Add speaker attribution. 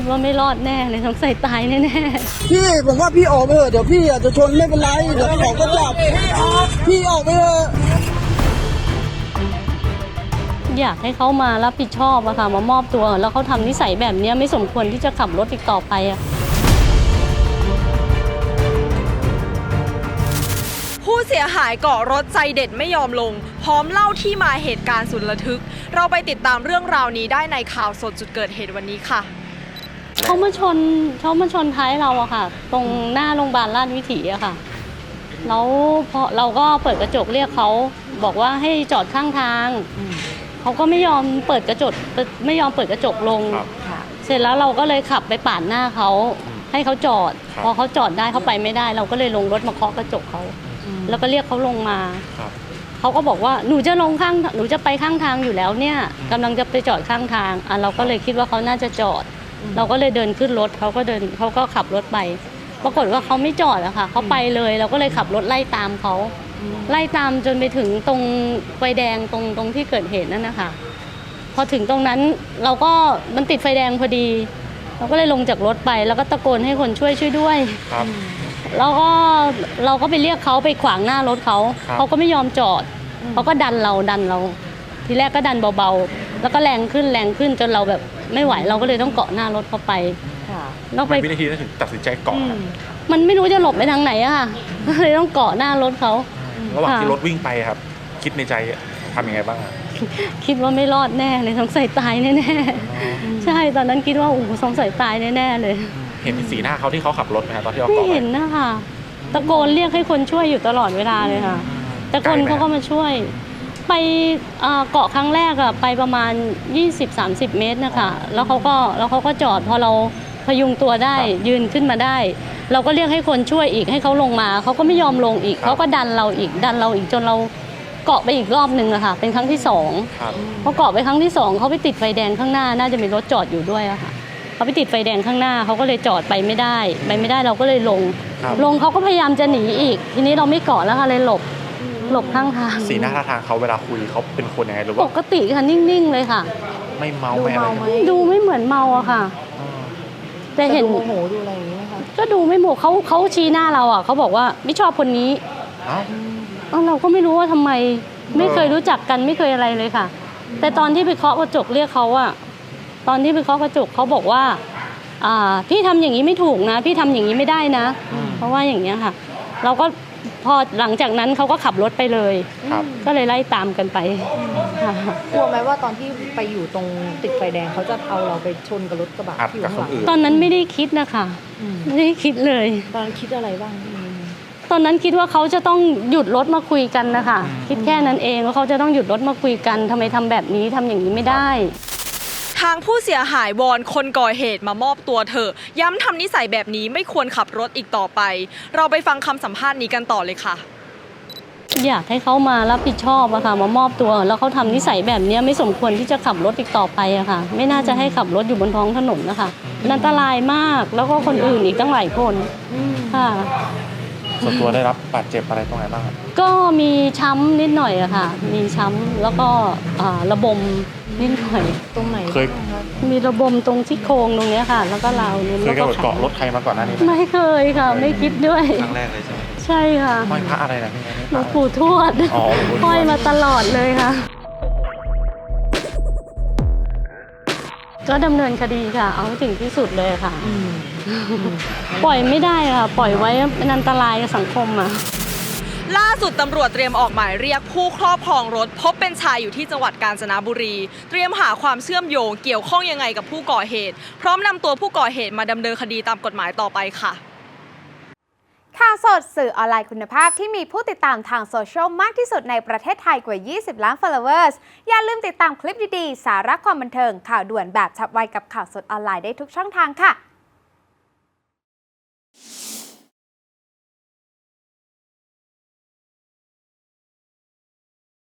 Speaker 1: ว่าไม่รอดแน่เลยสงสัยตายแน่ๆ
Speaker 2: พี่ผมว่าพี่ออกไปเถอะเดี๋ยวพี่อาจจะชนไม่เป็นไรเดี๋ยวเขาก็จับพี่ออกไปเถอะ
Speaker 1: อยากให้เขามารับผิดชอบอะค่ะมามอบตัวแล้วเขาทำนิสัยแบบนี้ไม่สมควรที่จะขับรถอีกต่อไปอะ
Speaker 3: ผู้เสียหายเกาะรถใจเด็ดไม่ยอมลงพร้อมเล่าที่มาเหตุการณ์สุดระทึกเราไปติดตามเรื่องราวนี้ได้ในข่าวสดจุดเกิดเหตุวันนี้ค่ะ
Speaker 1: เขามาชนท้ายเราอะค่ะตรงหน้าโรงพยาบาลราชวิถีอะค่ะแล้วพอเราก็เปิดกระจกเรียกเขาบอกว่าให้จอดข้างทางเขาก็ไม่ยอมเปิดกระจกลงเสร็จแล้วเราก็เลยขับไปปาดหน้าเขาให้เขาจอดพอเขาจอดได้เขาไปไม่ได้เราก็เลยลงรถมาเคาะกระจกเขาแล้วก็เรียกเขาลงมาเขาก็บอกว่าหนูจะไปข้างทางอยู่แล้วเนี่ยกำลังจะไปจอดข้างทางเราก็เลยคิดว่าเขาน่าจะจอดเราก็เลยเดินขึ้นรถเขาก็ขับรถไปปรากฏว่าเขาไม่จอดอะค่ะเขาไปเลยเราก็เลยขับรถไล่ตามเขาไล่ตามจนไปถึงตรงไฟแดงตรงที่เกิดเหตุนั่นนะคะพอถึงตรงนั้นมันติดไฟแดงพอดีเราก็เลยลงจากรถไปแล้วก็ตะโกนให้คนช่วยด้วยแล้วก็เราก็ไปเรียกเขาไปขวางหน้ารถเขาก็ไม่ยอมจอดเขาก็ดันเราทีแรกก็ดันเบาๆแล้วก็แรงขึ้นจนเราแบบไม่ไหวเราก็เลยต้องเกาะหน้ารถเขาไป
Speaker 4: เราไปวินาทีนั้นถึงตัดสินใจเกาะ
Speaker 1: มันไม่รู้จะหลบไปทางไหนอะค่ะเลยต้องเกาะหน้ารถเขา
Speaker 4: ระหว่างที่รถวิ่งไปครับคิดในใจทำยังไงบ้าง
Speaker 1: คิดว่าไม่รอดแน่เลยสงสัยตายแน่ๆใช่ตอนนั้นคิดว่าสงสัยตายแน่ๆเลย
Speaker 4: เห็นสีหน้าเขาที่เขาขับรถไหมครับตอนที่เราเกาะ
Speaker 1: ไม่เห็นนะคะตะโกนเรียกให้คนช่วยอยู่ตลอดเวลาเลยค่ะแต่คนเขาก็มาช่วยไปเกาะครั้งแรกอะไปประมาณ 20-30 เมตรนะคะแล้วเขาก็จอดพอเราพยุงตัวได้ยืนขึ้นมาได้เราก็เรียกให้คนช่วยอีกให้เขาลงมาเขาก็ไม่ยอมลงอีกเขาก็ดันเราอีกจนเราเกาะไปอีกรอบนึงอะค่ะเป็นครั้งที่2พอเกาะไปครั้งที่2เขาไปติดไฟแดงข้างหน้าน่าจะมีรถจอดอยู่ด้วยอะค่ะเขาไปติดไฟแดงข้างหน้าเขาก็เลยจอดไปไม่ได้เราก็เลยลงเขาก็พยายามจะหนีอีกทีนี้เราไม่เกาะแล้วค่ะเลยหลบข้างทาง
Speaker 4: สีหน้าท่าทางเขาเวลาคุยเขาเป็นคนยังไงหรือว่า
Speaker 1: ปกติค่ะนิ่งๆเลยค่ะ
Speaker 4: ไม่เมาไม่อะไร
Speaker 1: ดูไม่เหมือนเมาอะค่ะแต่เห็น
Speaker 5: โมโหดูอะไรอย่างนี้นะคะ
Speaker 1: ก็ดูไม่โมโหเขาชี้หน้าเราอะเขาบอกว่าไม่ชอบคนนี้เราก็ไม่รู้ว่าทำไมไม่เคยรู้จักกันไม่เคยอะไรเลยค่ะแต่ตอนที่ไปเคาะกระจกเรียกเขาอะตอนที่ไปเคาะกระจกเขาบอกว่าพี่ทำอย่างนี้ไม่ถูกนะพี่ทำอย่างนี้ไม่ได้นะเพราะว่าอย่างเงี้ยค่ะเราก็พอหลังจากนั้นเขาก็ขับรถไปเลยก็เลยไล่ตามกันไป
Speaker 5: กลัวไหมว่าตอนที่ไปอยู่ตรงติดไฟแดงเขาจะเอาเราไปชนกับรถกระบะที่อยู่ข้างหลัง
Speaker 1: ตอนนั้นไม่ได้คิดนะคะไม่ได้คิดเลย
Speaker 5: ตอนนั้นคิดอะไรบ้าง
Speaker 1: ตอนนั้นคิดว่าเขาจะต้องหยุดรถมาคุยกันนะคะคิดแค่นั้นเองว่าเขาจะต้องหยุดรถมาคุยกันทำไมทำแบบนี้ทำอย่างนี้ไม่ได้
Speaker 3: ทางผู้เสียหายวอนคนก่อเหตุมามอบตัวเถอะย้ำทำนิสัยแบบนี้ไม่ควรขับรถอีกต่อไปเราไปฟังคำสัมภาษณ์นี้กันต่อเลยค่ะ
Speaker 1: อยากให้เขามารับผิดชอบอะค่ะมามอบตัวแล้วเขาทำนิสัยแบบนี้ไม่สมควรที่จะขับรถอีกต่อไปอะค่ะไม่น่าจะให้ขับรถอยู่บนท้องถนนนะคะอันตรายมากแล้วก็คนอื่นอีกตั้งหลายคนค่ะ
Speaker 4: ส่วนตัวได้รับบาดเจ็บอะไรตรงไหนบ้าง
Speaker 1: ก็มีช้ำนิดหน่อยอะค่ะมีช้ำแล้วก็ระบมนิดหน่อย
Speaker 5: ตรงไหน
Speaker 4: เคย
Speaker 1: มีระบมตรงที่โครงตรงนี้ค่ะแล้วก็เราเนี่ย
Speaker 4: เคยเกาะรถใครมาก่อนหน้านี้
Speaker 1: ไม่เคยค่ะไม่คิดด้วย
Speaker 4: ครั้งแรกเลยใช่ไหม
Speaker 1: ใช่ค่ะ
Speaker 4: ห้อยพระอะไรนะพี่
Speaker 1: หลวงปู่ทวดห้อยมาตลอดเลยค่ะก็ดำเนินคดีค่ะเอาถึงที่สุดเลยค่ะปล่อยไม่ได้ค่ะปล่อยไว้เป็นอันตรายกับสังคมอ่ะ
Speaker 3: ล่าสุดตำรวจเตรียมออกหมายเรียกผู้ครอบครองรถพบเป็นชายอยู่ที่จังหวัดกาญจนบุรีเตรียมหาความเชื่อมโยงเกี่ยวข้องยังไงกับผู้ก่อเหตุพร้อมนำตัวผู้ก่อเหตุมาดำเนินคดีตามกฎหมายต่อไปค่ะ
Speaker 6: ข่าวสดสื่อออนไลน์คุณภาพที่มีผู้ติดตามทางโซเชียลมากที่สุดในประเทศไทยกว่า 20 ล้าน followers อย่าลืมติดตามคลิปดีๆสาระความบันเทิงข่าวด่วนแบบฉับไวกับข่าวสดออนไลน์ได้ทุกช่องทางค่ะ